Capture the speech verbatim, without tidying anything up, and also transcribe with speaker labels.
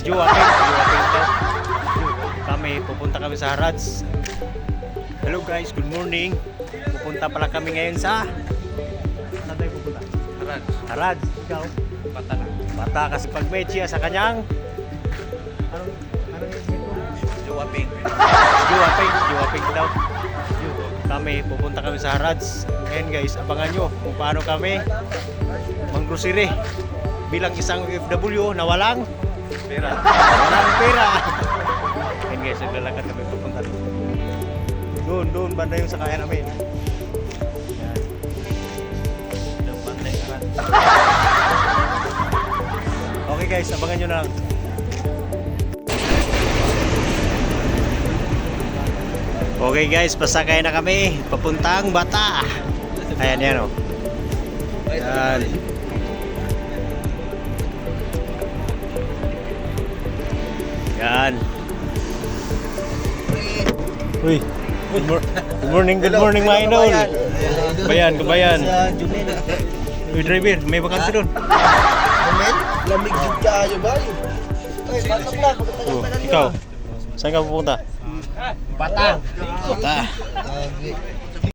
Speaker 1: Juwaping, Juwaping daw. Kami, pupunta kami sa Harads. Hello guys, good morning. Pupunta pala kami ngayon sa... Saan tayo pupunta?
Speaker 2: Harads.
Speaker 1: Harads. Ikaw?
Speaker 2: Bata na.
Speaker 1: Bata kasi pag may chiya sa kanyang... Anong... Anong yung mo?
Speaker 2: Juwaping.
Speaker 1: Juwaping, Juwaping daw. Kami, pupunta kami sa Harads. Ngayon guys, abangan nyo kung paano kami manggrocery bilang isang O F W na walang
Speaker 2: Pera.
Speaker 1: walang pera. Ngayon guys, naglalakad kami pupunta doon. Doon, doon, banda yung sakayan namin. Yan. Doon, banda yung Harads. Okay guys, abangan nyo na lang. Okay guys, pasakay na kami papuntang Bata. Ayan yan o. Yan. Yan. Uy. Good, mor- good morning, good morning mga idol. Kabayan, kabayan. Uy driver, may bakante doon.
Speaker 3: Amen? Lamig jud kaayo ba? Ay, batok na.
Speaker 1: Oh, ikaw. Saan ka pupunta?
Speaker 3: Bata.
Speaker 1: Bata.
Speaker 3: Okay.